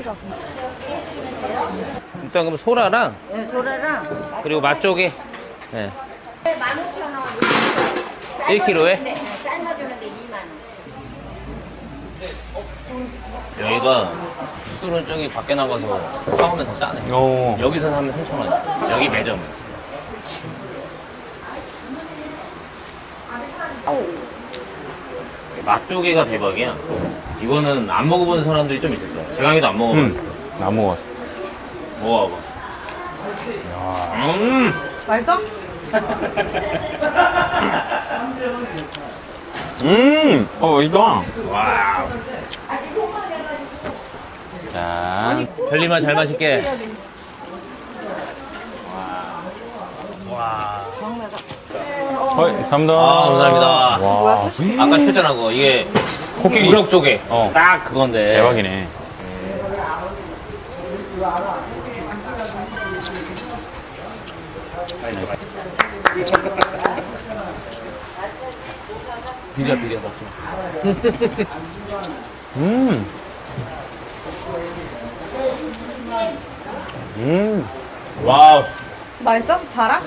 일단 그럼 소라랑 네, 소라랑 그리고 맛조개. 네. 15,000원. 1kg에? 네, 삶아주는데 2만 원. 여기가 술은 저기 밖에 나가서 사오면 더 싸네. 오. 여기서 사면 3,000원. 여기 매점. 맛조개가 대박이야. 이거는 안 먹어본 사람들이 좀 있을 거야. 재강이도 안 먹어봤어. 안 먹었어. 먹어봐. 맛있어? 맛있다. 와. 자. 별님아 잘 마실게. 감사합니다. 아, 감사합니다. 와. 아까 시켰잖아 그거. 이게 코끼리. 우럭조개. 어. 딱 그건데. 대박이네. 비벼 먹자. 음. 와우. 맛있어? 달아?